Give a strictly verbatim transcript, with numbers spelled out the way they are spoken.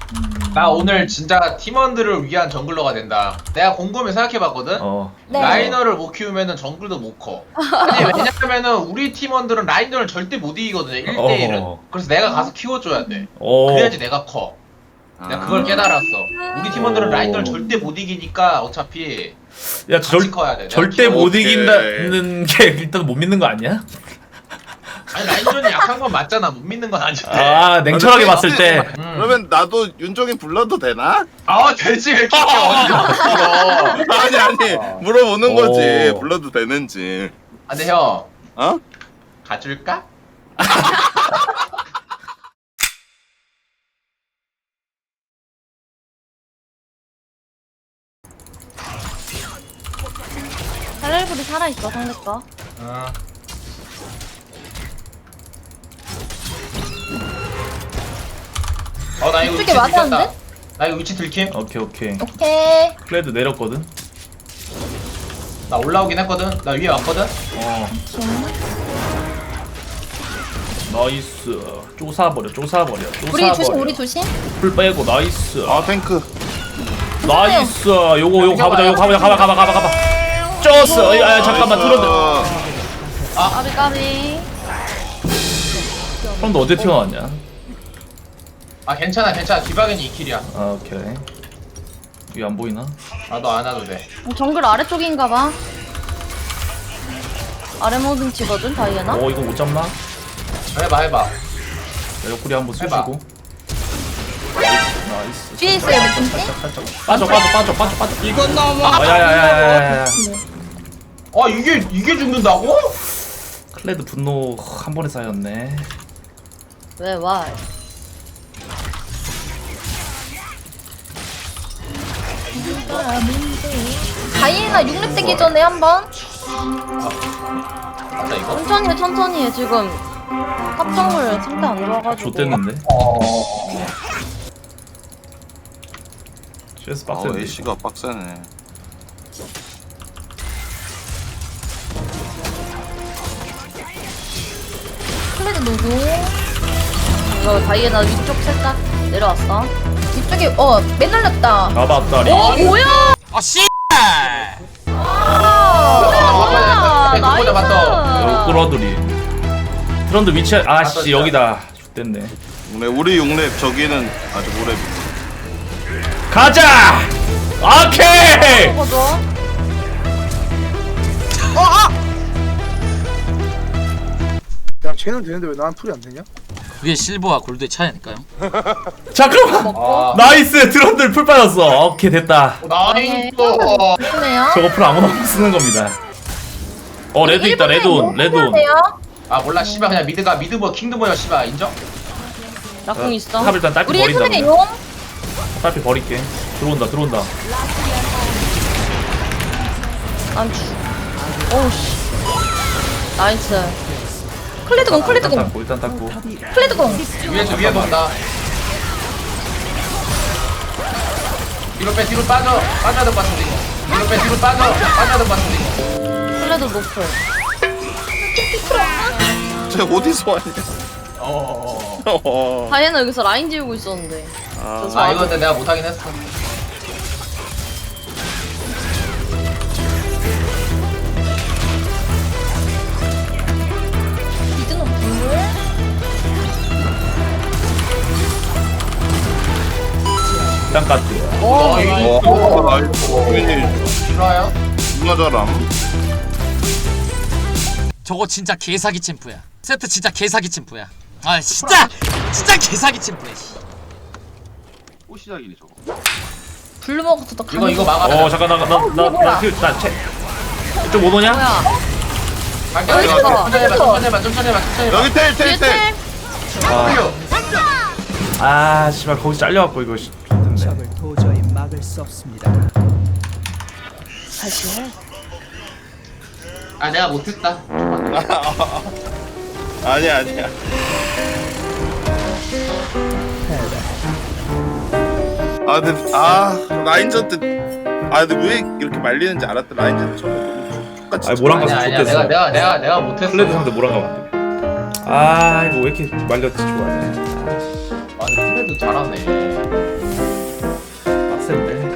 나 오늘 진짜 팀원들을 위한 정글러가 된다. 내가 곰곰이 생각해봤거든? 어. 네. 라이너를 못 키우면은 정글도 못 커. 아니, 왜냐면은 우리 팀원들은 라이너를 절대 못 이기거든요, 일 대일은. 어허. 그래서 내가 가서 키워줘야 돼. 어. 그래야지 내가 커. 내가 그걸 깨달았어. 우리 팀원들은 오. 라이너를 절대 못 이기니까 어차피 야, 같이 절, 커야 돼. 내가 절대 키워. 못 오케이. 이긴다는 게 일단 못 믿는 거 아니야? 아니, 라인전이 약한 건 맞잖아. 못 믿는 건 아닌데. 아, 냉철하게 봤을 때. 음. 그러면 나도 윤종이 불러도 되나? 아, 되지. 왜 이렇게 어디서 불러. 아니 아니 물어보는 거지. 오. 불러도 되는지. 아, 근데 형, 어? 가줄까? 살날불이 살아있어 상대 거. 어. 어, 나 이거 이쪽에 위치 들켰다. 맞았는데? 나 이거 위치 들킴? 오케이, 오케이. 오케이. 클레드 내렸거든? 나 올라오긴 했거든? 나 위에 왔거든? 어. 지금 나이스. 쪼사버려, 쪼사버려, 쪼사버려. 우리 조심 우리 조심. 풀 빼고, 나이스. 아 탱크. 나이스. 요거, 요거 가보자, 요거 가보자, 가봐, 가봐, 가봐, 가봐. 쩌스. 야, 야, 잠깐만, 트런드. 까비 까비. 트런드 어디 튀어나왔냐? 아, 괜찮아, 괜찮아. 뒤박이니 이 킬이야. 아, 오케이. 이게 안 보이나? 나도 안 와도 돼. 정글 아래쪽인가봐. 아래 모든 치거든 다이애나. 어, 이거 못 잡나? 해봐, 해봐. 야, 옆구리 한번 해봐. 쑤시고. 나이스. 뒤에 있어요 매tum씨. 살짝, 살짝. 빠져, 빠져, 빠져, 빠져, 빠져. 이건 너무. 아, 야, 야, 야, 야, 야. 아, 이게, 이게 죽는다고? 클레드 분노 한 번에 쌓였네. 왜 와? 다이애나 육 렙 되기 전에 한번 맞다, 이거? 천천히 해 천천히 해 지금 합성을 상대 안 들어가지고. 좆됐는데? 어. 씨에스 아 빡센데. A씨가 빡세네. 클레드 누구? 이거 다이애나 위쪽 살짝 내려왔어. 위쪽에 어 매달렸다. 가봤다리. 어 뭐야? 아 씨. 아, 네, 그거다, 맞다. 여기 끌어들이. 트런드 위치 아씨 여기다. 좆됐네. 우리 우리 육 렙 저기는 아직 오 렙. 가자. 오케이. 먹어줘. 야 쟤는 되는데 왜 난 풀이 안 되냐? 그게 실버와 골드의 차이 아닐까요? 잠깐만. 아, 나이스. 트런드 풀 빠졌어. 오케이 됐다. 나이스. 좋네요. 저거 풀 아무나 못 쓰는 겁니다. 어 레드 있다. 레드온. 레드온. 아, 몰라, 씨발. 그냥 미드가 미드버 킹드버야, 씨발. 인정? 낙공 있어. 탑 일단 딸피 우리 버린다. 일분의 그러면. 용. 딸피 버릴게. 들어온다. 들어온다. 안 주. 오우씨. 나이스. 클레드 공 클레드 일단 공 닦고 일단 닦고. 클레드 공. 위에서 위에 본다. 뒤로 빼, 뒤로 빠져. 빠져야 될 것 같은데, 이거. 뒤로 빼, 뒤로 빠져. 빠져야 될 것 같은데, 이거. 클레드 노플. 쟤 어디서 왔냐? 어. 어. 다이애나 여기서 라인 지우고 있었는데. 아, 저 아, 이거 근데 내가 못하긴 했어. 미드 노플. 일단 까트. 오 나이스. 어, 나이스. 유민이 싫어요? 존나 잘함. 저거 진짜 개사기 챔프야. 세트 진짜 개사기 챔프야. 아 진짜 진짜 개사기 챔프야. 씨. 또 시작이네 저거. 블루 먹어서 더 이거, 강해. 이거 막아. 어 잠깐 나나나나나 채. 좀 못 오냐? 뭐야? 갈게, 여기 갈게. 있어. 천천히 해봐, 천천히 해봐, 천천히 해봐, 천천히 해봐. 여기 텔 뒤에 텔 텔. 텔. W. 아 씨발 거기 잘려갖고 이거 씨. 좋던데. 적을 도저히 막을 수 없습니다. 다시 해. 아, 내가 못했다. 아니야 아니야. 아 근데 아 라인전 때아 근데 왜 이렇게 말리는지 알았다. 라인전 처음에 너무 똑같이. 아니, 뭐랑 아니야, 가서 아니야. 좋댔어. 내가, 내가, 내가, 내가 못했어. 클레드 상대 뭐랑 가면 안 돼. 아 이거 왜 이렇게 말렸지 좋아해. 아, 근데 클레드 잘하네. 빡센데.